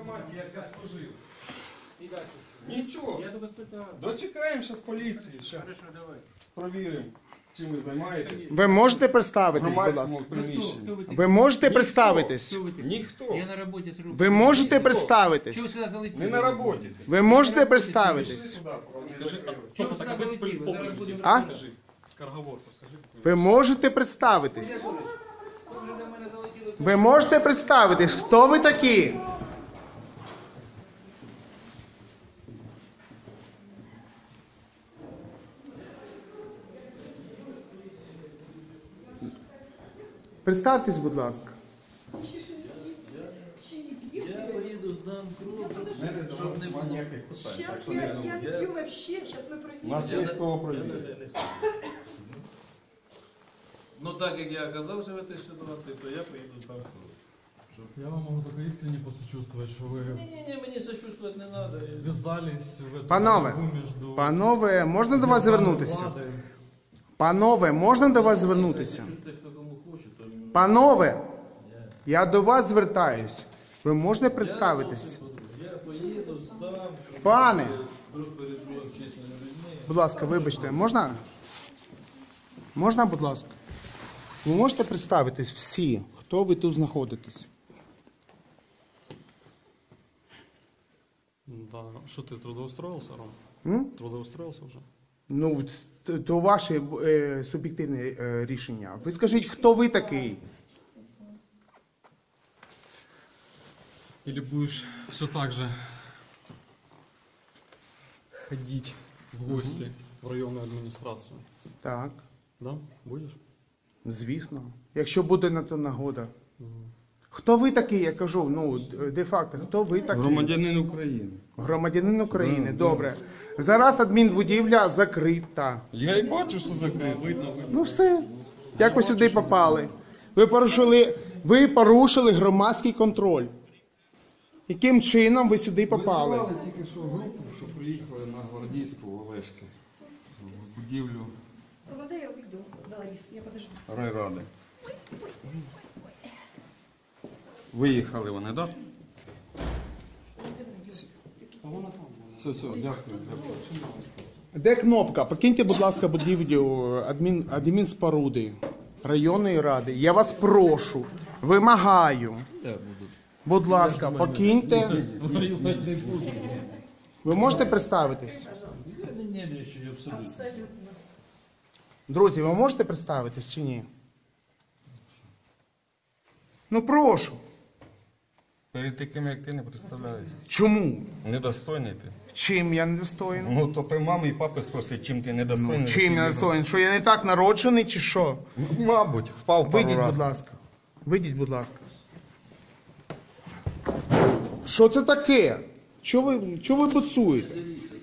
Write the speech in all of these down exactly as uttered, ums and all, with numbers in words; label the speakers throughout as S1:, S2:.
S1: військкоматі, як я служив. Нічого. Дочекаємо зараз поліції. Зараз провіримо, чим ви займаєтесь.
S2: Ви можете представитись, будь ласка?
S1: Громадському приміщенні.
S2: Ви можете представитись?
S1: Ніхто.
S3: Я на роботі з рук.
S2: Ви можете представитись?
S3: Чого ви сюди залетіли?
S1: Не на роботі.
S2: Ви можете
S1: Пішли
S2: представитись?
S1: сюди, вони закрили.
S3: Чого ви сюди залетіли? Зараз будемо
S2: А?
S3: розбиратися.
S2: Ви можете представитись?
S3: Ви вже до мене залетіли.
S2: Ви можете представитись? Хто ви такі? Представтесь, будь ласка.
S3: Я поїду, здам кров, щоб,
S1: Знаєте,
S3: щоб не
S1: немає
S3: було.
S1: ніяких питань. Так
S4: Сейчас
S1: що
S4: я,
S1: не
S4: я
S1: думайте.
S4: не пью вообще, сейчас мы
S1: У
S4: проверим.
S1: нас є з кого провірити.
S3: Ну так як я оказався в цій ситуації, то я поїду здам кров.
S5: Я вам могу только искренне посочувствовать, что вы
S3: Ні-ні-ні, мені сочувствувати не треба.
S5: ввязались в эту
S2: Панове,
S5: борьбу между
S2: Панове, можна до вас звернутися?
S5: владой.
S2: Панове, можна до вас звернутися?
S3: Сочувствувати, хто кому хоче, то...
S2: Панове, я до вас звертаюсь. Ви можете представитись?
S3: Я поїду, здам, щоб...
S2: Пане,
S3: Друг перед другом чесними людьми.
S2: будь ласка, вибачте, можна? Можна, будь ласка? Ви можете представитись всі, хто ви тут знаходитесь?
S5: Да. Что ты трудоустроился, Ром?
S2: М?
S5: Трудоустроился уже?
S2: Ну, т- то ваше е, суб'єктивне е, рішення. Ви скажіть, хто ви такий?
S5: Или будешь все так же ходить в гости в районную администрацию?
S2: Так,
S5: Да? Будешь?
S2: звісно. Якщо буде на то нагода. Хто ви такий, я кажу, ну, де-факто, хто ви такий?
S1: Громадянин України.
S2: Громадянин України, добре. Зараз адмінбудівля закрита.
S1: Я і бачу, що закрито.
S2: Ну все. Як ви сюди попали? Ви порушили, ви порушили громадський контроль. Яким чином ви сюди попали?
S1: Визивали тільки що групу, що приїхали на Гвардійську в Олешки. В будівлю
S4: Провода я уйду, Ларис, я подожду.
S1: райради. Виїхали вони, так? Все, все, дякую. дякую.
S2: Де кнопка? Покиньте, будь ласка, будівлю адмін, адмінспоруди районної ради. Я вас прошу, вимагаю. Будь ласка, покиньте. Ви можете представитись?
S3: Я не нервничаю абсолютно.
S4: Абсолютно.
S2: Друзі, ви можете представитись чи ні? Ну прошу.
S1: Перед таким, як ти, не представляєш.
S2: Чому?
S1: Недостойний ти.
S2: Чим я недостоїн?
S1: Ну, то ти мами і папи спроси, чим ти недостойний.
S2: Ну, чим я недостоїн? Що я не так народжений чи що?
S1: Ну, мабуть, впав пару
S2: Вийдіть, будь
S1: разів.
S2: ласка. Вийдіть, будь ласка. Що це таке? Чого ви, чого ви буцуєте?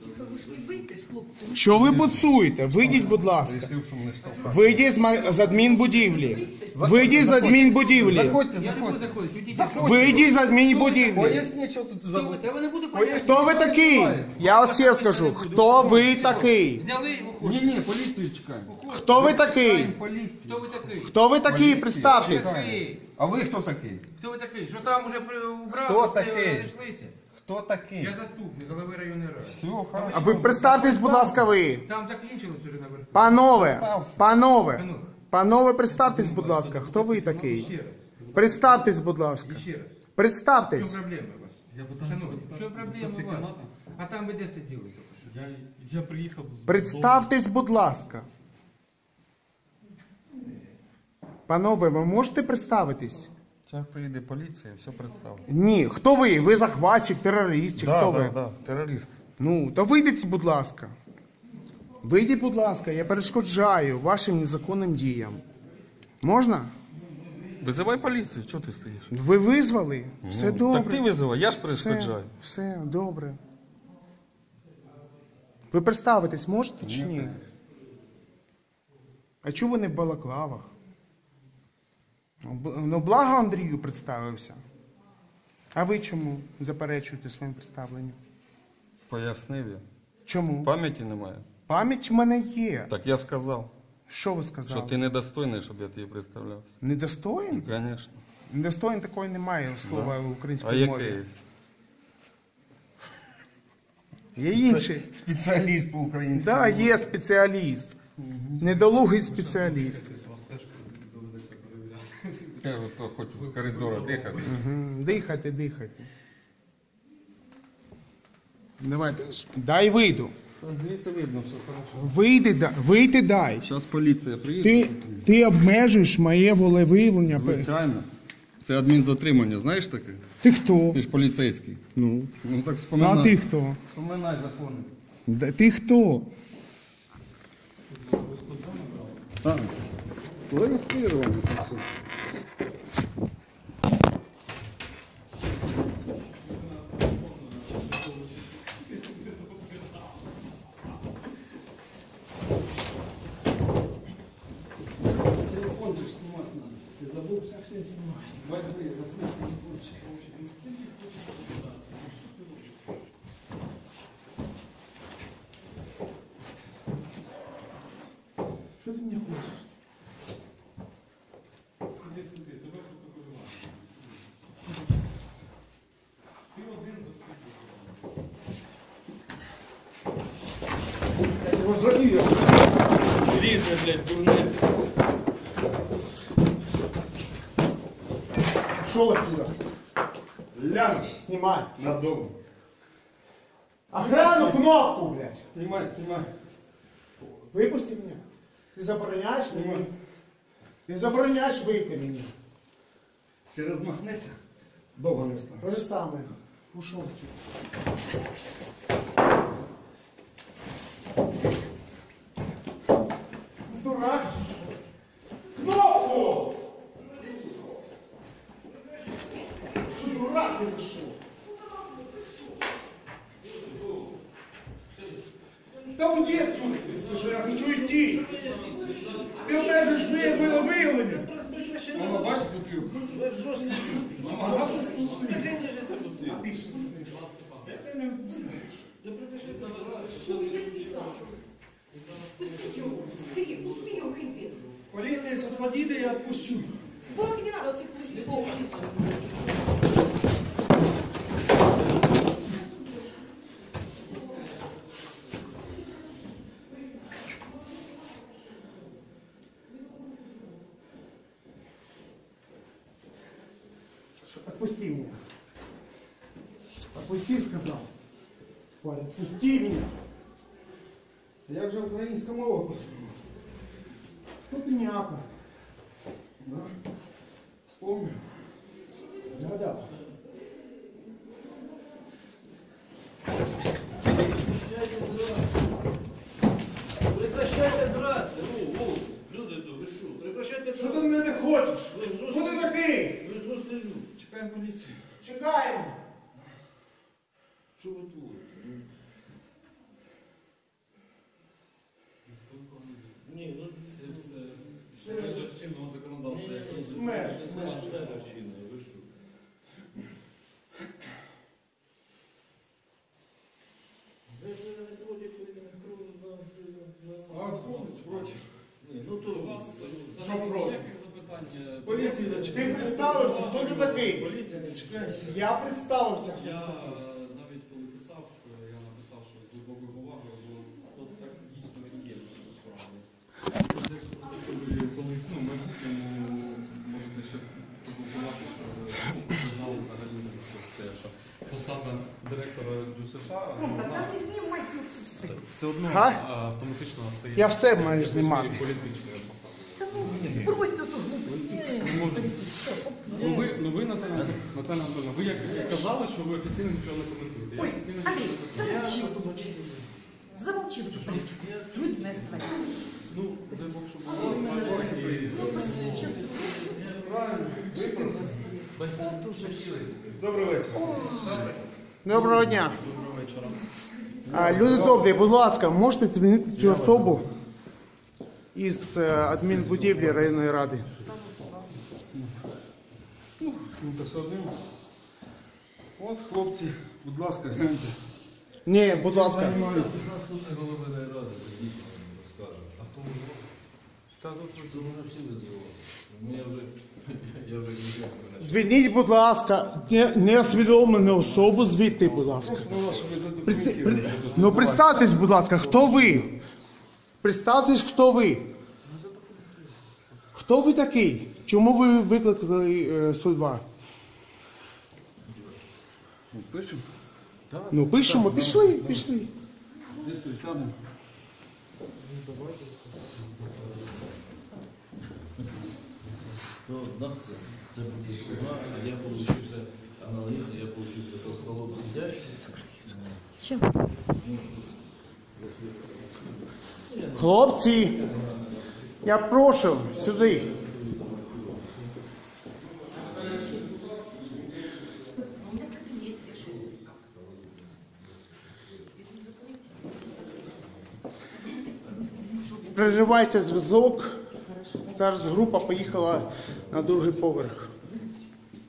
S2: Що ви буцуєте? Вийдіть, будь ласка. Вийдіть з, ма- з адмінбудівлі. Вийдіть з адмінбудівлі.
S1: Заходьте,
S3: Я не буду
S1: заходьте.
S3: заходити, підійдіть.
S2: Вийдіть з адмінбудівлі.
S1: Поясніть, що тут
S3: Хто ви?
S1: забудь.
S3: Я не буду пояснювати.
S2: Хто ви такий? Я вас ще раз скажу. Хто ви такий?
S3: Зняли і виходите.
S1: Ні, ні, поліцію чекаємо.
S2: Хто ви такий?
S1: Поліцію.
S3: Хто ви такий?
S2: Хто ви такий? Представтесь.
S3: Такий.
S1: А ви хто такий?
S3: Хто ви такий? Що там уже при- убрали,
S1: Хто
S3: все,
S1: такий?
S3: розійшлися?
S1: Хто такий?
S3: Я заступник голови районної ради.
S1: Все, хорошо.
S2: А ви представтесь, будь ласка, ви.
S3: Там закінчилось вже наверху.
S2: Панове, панове,
S3: Панове.
S2: панове, представтесь, будь ласка. Хто ви такий?
S3: Ще раз.
S2: Представтесь, будь ласка.
S3: І ще раз. В чому
S2: Представтесь.
S3: проблема у вас?
S5: Я пытался...
S3: Шановні, в чому проблема у вас? А там ви де сиділи? тільки що?
S5: Я, я приехал... с
S2: Представтесь, будь ласка. Панове, ви можете представитись?
S1: Зараз приїде поліція, все представлю.
S2: Ні. Хто ви? Ви захватчик, терорист, чи хто ви?
S1: Так, так, терорист.
S2: Ну, то вийдіть, будь ласка. Вийдіть, будь ласка, я перешкоджаю вашим незаконним діям. Можна?
S1: Визивай поліцію, чого ти стоїш?
S2: Ви визвали? Все
S1: Ну,
S2: добре.
S1: Так ти визивай, я ж
S2: Все,
S1: перешкоджаю.
S2: все добре. Ви представитись можете чи ні? А чого ви не в балаклавах? Ну, б- Ну, благо Андрію представився. А ви чому заперечуєте своїм представленням?
S1: Пояснив я.
S2: Чому?
S1: Пам'яті немає.
S2: Пам'ять в мене є.
S1: Так я сказав,
S2: Що ви
S1: що
S2: сказали?
S1: ти недостойний, щоб я тобі представлявся.
S2: Недостоїн?
S1: Звісно.
S2: Недостоїн такої немає слова в
S1: А
S2: українській мові.
S1: який?
S2: Є інший.
S1: Спеціаліст по українській.
S2: Так, да, є спеціаліст. Недолугий спеціаліст.
S5: Вас теж доведеться перевіряти.
S1: Я то хочу з коридору дихати.
S2: Угу. Дихайте, дихайте. Давайте. Дай вийду.
S1: Звідси видно, все хорошо.
S2: Вийди, да- вийти дай.
S1: Зараз поліція приїде.
S2: Ти, ти обмежуєш моє волевиявлення.
S1: Звичайно. Це адмінзатримання, знаєш таке?
S2: Ти хто?
S1: Ти ж поліцейський.
S2: Ну.
S1: Ну так
S2: Ну,
S1: споминай.
S2: а ти хто?
S1: Споминай закони.
S2: Да, ти хто?
S1: Так. Зареєстрировано це все. Телефончик снимать надо. Ты забыл, совсем снимай. Возьми, возьми телефончик. Что ты мне хочешь? Сиди, сиди, тебе фотографувати. Ти один за всіх. Я його жалію. Лізе, блядь, дурне.
S6: Пошел отсюда.
S1: Ляжешь
S6: Снимай.
S1: на дом.
S6: Охрану кнопку, блядь.
S1: Снимай, снимай.
S6: Выпусти меня. Ты забороняешь
S1: Снимай.
S6: мне? Ты забороняешь выйти мне.
S1: Ти розмахнешся, довго не встанеш.
S6: То же самое. Ушел отсюда. Дурак же, что ли? Кнопку! Что, дурак ты пришел? Да уйди отсюда, слушай, я хочу идти. Ты обмежуєш моє виявлення.
S1: Мама, бачиш бутилку? Намагався стукнути.
S6: А ти що знаєш? Я не знаєш.
S4: Что вы детский сад? Пусти его. Ты, пусти его, хиты.
S6: Поліція зараз подійде, я відпущу.
S4: Вот тебе надо этих пустяков.
S6: Отпусти меня. Отпусти, сказал. Парень, отпусти меня.
S1: Як же українська мова пошла?
S6: Скотиняка.
S1: Да? Вспомнив.
S6: Згадав.
S3: Прекращайте драться. Ну, о, люди, то ви що? Прекращайте
S6: Що ти
S3: драться.
S6: в мене хочеш?
S3: Ви
S6: Хто
S3: взрослі,
S6: ти такий?
S3: ви взрослі люди.
S1: Чекаємо поліцію.
S6: Чекаємо.
S3: Що ви творите? Ну. Ні, ну
S5: Це все в межах чинного законодавства. як розумієте.
S6: Меж.
S3: ви що? Ви ж не проти, коли не
S1: А хлопець проти.
S3: Ні, ну то
S5: У вас
S1: Що
S5: взагалі
S1: проти?
S5: ніяких запитань. е,
S1: Поліції
S5: до-
S1: зачекайте.
S6: Ти представився, хто ти такий?
S1: Поліція не чекається.
S6: Я представився. хто ти
S5: Я
S6: такий.
S5: е, навіть коли писав, е, я написав, що з глибокою повагою, бо то так дійсно і є насправді. Якщо просто, щоб ви колись, ну, майбутньому можете ще пожалкувати, що ви знали взагалі, що це, що посада директора ДЮСШ,
S4: Ну,
S5: вона
S4: тогда не снимай тут все.
S5: все одно
S2: Га?
S5: а, автоматично стає
S2: Я все маю
S5: якоюсь
S2: знімати.
S5: мірі політичною посадою.
S4: Да ну, брось ты эту глупость.
S5: Не можу. Ну ви, ну ви Наталя, Наталя Анатольовна, ви як казали, що ви офіційно нічого не коментуєте. Я
S4: Ой,
S5: офіційно нічого
S4: Андрей,
S5: не коментую.
S4: замолчи. Замолчи, замолчи. Люди не оставайся.
S5: Ну, дай Бог, щоб було бачити і...
S4: Вот уже.
S1: Добрий вечір.
S2: Доброго дня.
S5: Доброго вечора.
S2: А, люди добрі, будь ласка, можете змінити цю особу із е, адмінбудівлі районної ради?
S1: З ким-то все одним. От, хлопці, будь ласка, гляньте.
S2: Ні, будь ласка.
S1: Займаються.
S3: Заступник голови райради, тоді розкаже. А хто ви? Це вже всі визивали. Ну, я вже, я вже не знаю.
S2: Звільніть, будь ласка, не- неосвідомлену особу звідти, будь ласка.
S1: Ну, що ви
S2: Приста-
S1: задокументуєте,
S2: при-
S1: що тут
S2: Ну,
S1: відбувається.
S2: представтесь, будь ласка, хто ви? Представтесь, хто ви? Хто ви такий? Чому ви викликали е, сто два?
S1: Пишемо?
S2: Ну, пишемо, пішли, пішли.
S1: Десь тут сядемо.
S3: То, да, це, це буде сума. Я получився аналогічно, я получився по столом сидящий.
S2: Хлопці, я прошу сюди. Переривайте зв'язок. Зараз група поїхала на другий поверх.